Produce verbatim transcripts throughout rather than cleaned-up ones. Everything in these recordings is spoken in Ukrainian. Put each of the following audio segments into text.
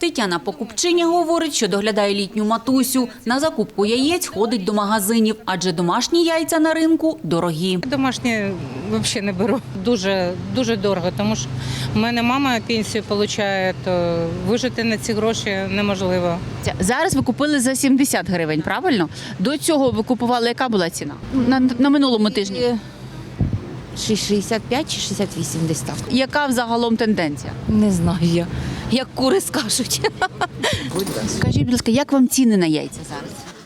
Тетяна покупчиня говорить, що доглядає літню матусю. На закупку яєць ходить до магазинів, адже домашні яйця на ринку дорогі. Домашні взагалі не беру. Дуже, дуже дорого, тому що в мене мама пенсію отримує, то вижити на ці гроші неможливо. Зараз ви купили за сімдесят гривень, правильно? До цього ви купували, яка була ціна? На, на минулому тижні. шістдесят п'ять чи шістдесят вісім десь так. Яка взагалом тенденція? Не знаю я. Як кури скажуть. Скажіть, будь ласка, як вам ціни на яйця зараз?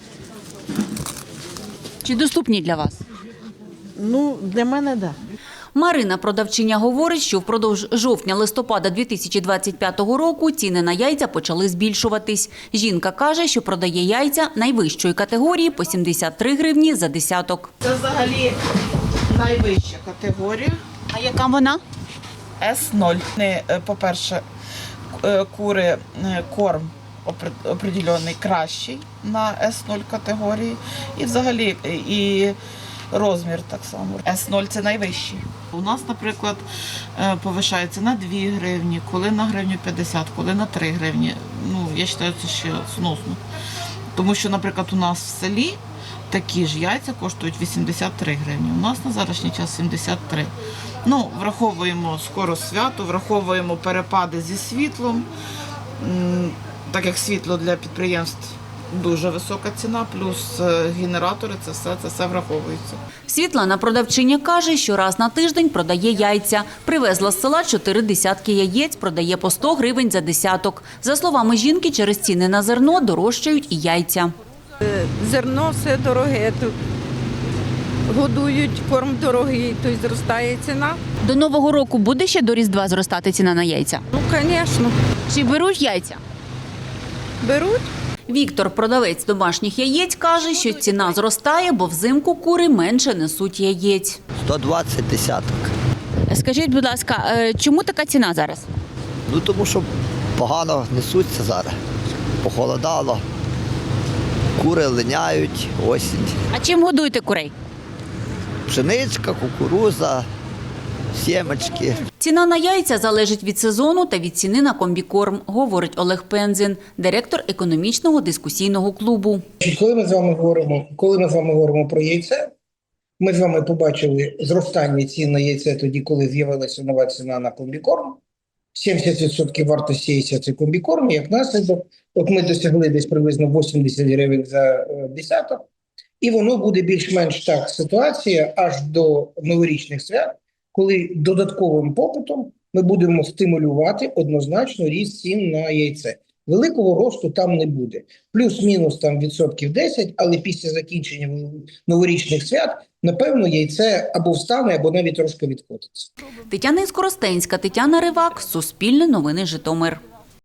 Чи доступні для вас? Ну, для мене так. Да. Марина, продавчиня, говорить, що впродовж жовтня-листопада дві тисячі двадцять п'ятого року ціни на яйця почали збільшуватись. Жінка каже, що продає яйця найвищої категорії по сімдесят три гривні за десяток. Це взагалі найвища категорія. А яка вона? С нуль. Не, е, По-перше, е, кури, е, корм опри- определений кращий на С нуль категорії. І взагалі е, і розмір так само. С нуль – це найвищий. У нас, наприклад, е, повишається на дві гривні, коли на гривню п'ятдесят, коли на три гривні. Ну, я вважаю, це ще сносно. Тому що, наприклад, у нас в селі такі ж яйця коштують вісімдесят три гривні. У нас на зараз час сімдесят три. Ну, враховуємо скоро свято, враховуємо перепади зі світлом. М, Так як світло для підприємств дуже висока ціна, плюс е, генератори, це все, це все враховується. Світлана, продавчиня, каже, що раз на тиждень продає яйця. Привезла з села чотири десятки яєць, продає по сто гривень за десяток. За словами жінки, через ціни на зерно дорожчають і яйця. Зерно все дороге, тут годують, корм дорогий, то й зростає ціна. До Нового року буде ще до Різдва зростати ціна на яйця? Ну, звісно, Чи беруть яйця? беруть. Віктор, продавець домашніх яєць, каже, що ціна зростає, бо взимку кури менше несуть яєць. сто двадцять десяток. Скажіть, будь ласка, чому така ціна зараз? Ну тому що погано несуться зараз. Похолодало. Кури линяють, осінь. А чим годуєте курей? Пшеничка, кукуруза, сімечки. Ціна на яйця залежить від сезону та від ціни на комбікорм, говорить Олег Пензін, директор економічного дискусійного клубу. Коли ми з вами говоримо, коли ми з вами говоримо про яйце, ми з вами побачили зростання цін на яйце тоді, коли з'явилася нова ціна на комбікорм. сімдесят відсотків вартості яйця – це комбікорм, як наслідок. От ми досягли десь приблизно вісімдесят гривень за десяток. І воно буде більш-менш так ситуація аж до новорічних свят, коли додатковим попитом ми будемо стимулювати однозначно ріст цін на яйце. Великого росту там не буде. Плюс-мінус там відсотків десять, але після закінчення новорічних свят, напевно, яйце або встане, або навіть трошки відкотиться. Тетяна Іскоростенська, Тетяна Ривак, Суспільне новини, Житомир.